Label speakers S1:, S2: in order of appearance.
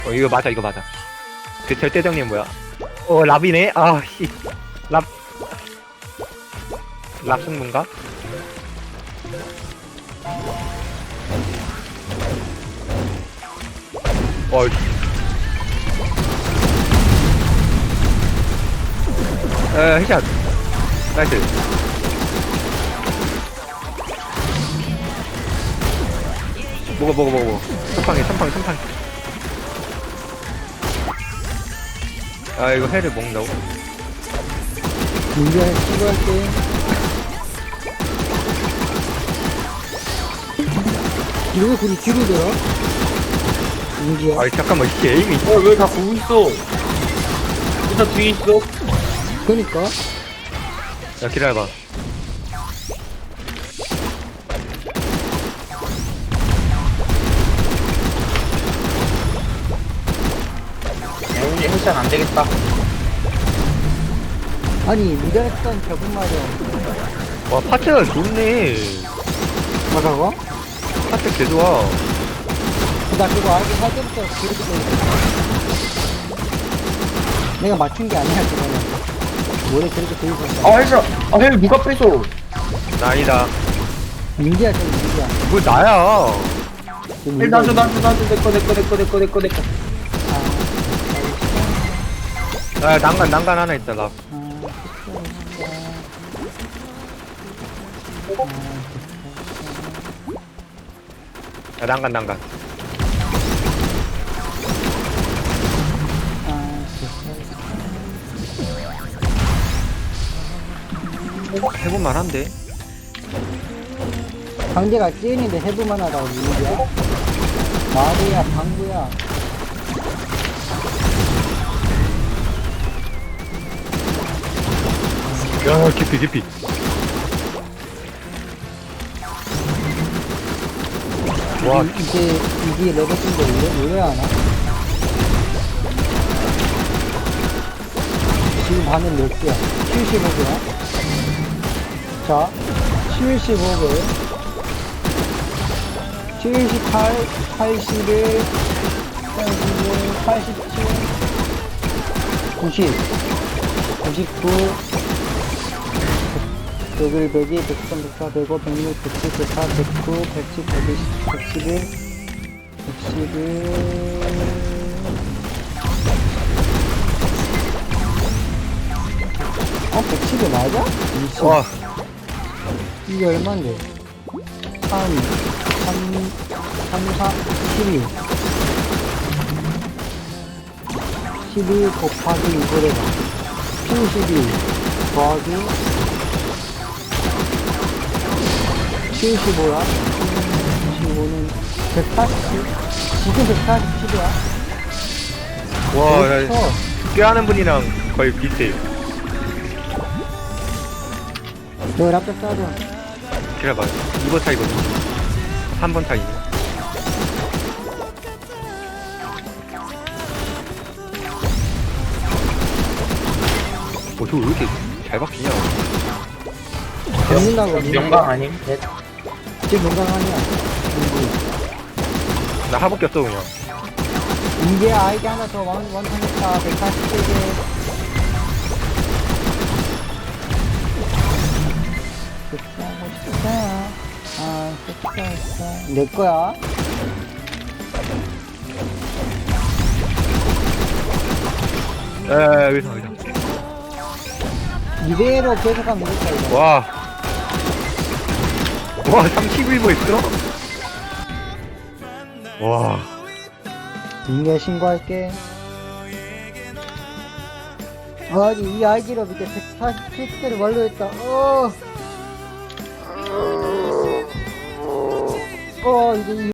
S1: 이거 맞아, 이거 맞아. 그 절대정님 뭐야? 랍이네? 아, 씨. 랍. 랍 승부인가? 씨. 헤샷. 나이스. 먹어. 선팡이. 아, 이거 회를 먹는다고?
S2: 민규야 친구할게. 왜 우리 뒤로 돌아? 민규야.
S1: 아이, 잠깐만, 이게 에임이.
S3: 왜 다 보고 있어? 일단 뒤에 있어.
S2: 그니까.
S1: 야, 기다려봐.
S3: 우리 헬스장 안 되겠다.
S2: 아니 미달했던 저분 말이야.
S1: 와, 파트가 좋네.
S2: 뭐라고?
S1: 파트 개 좋아.
S2: 나 그거 알고 살 때부터 그렇게 돼 있어. 내가 맞춘 게 아니야 그거는. 원래 그렇게 돼 있었어.
S3: 헬스장. 헬 누가 뺏어?
S1: 나 아니다.
S2: 민규야 저기 민규야.
S1: 뭘 나야.
S2: 저기
S3: 헬 나줘. 내꺼.
S1: 아, 난간 하나 있다, 나. 야, 난간. 해볼만 한데?
S2: 상대가 찌은인데 해볼만 하다고 민규야. 마리야 방구야.
S1: 야, 깊이. 와,
S2: 이게 레벨인데 왜 하나? 지금 반응 몇 개야? 75개야? 자, 75개 78, 81, 81, 87, 90, 99, 101, 102, 103, 104, 105, 106, 107, 108, 109, 110, 120, 111, 111 맞아? 20.
S1: 와,
S2: 이게 얼만데? 3, 4, 12. 12 곱하기 2를 해봐. 72 더하기 75야? 75는 140? 지금 147이야?
S1: 와, 야, 꾀하는 분이랑 거의 비슷해.
S2: 너 랍도 싸줘.
S1: 기다려봐. 2번 차이거든. 3번 차이네. 저거 왜 이렇게 잘 박히냐?
S2: 잡는다고.
S3: 명강 아님?
S2: 지금 농강 아니야.
S1: 나 하복 꼈어, 그냥.
S2: 인계 아이디 하나 더 완성했다. 147개. 내 거야.
S1: 여기서.
S2: 이대로 계속하면 되겠다, 이거.
S1: 와, 31번 있어? 와,
S2: 인계 신고할게. 아니, 이 아이디로 밑에 147개를 완료했다. 이제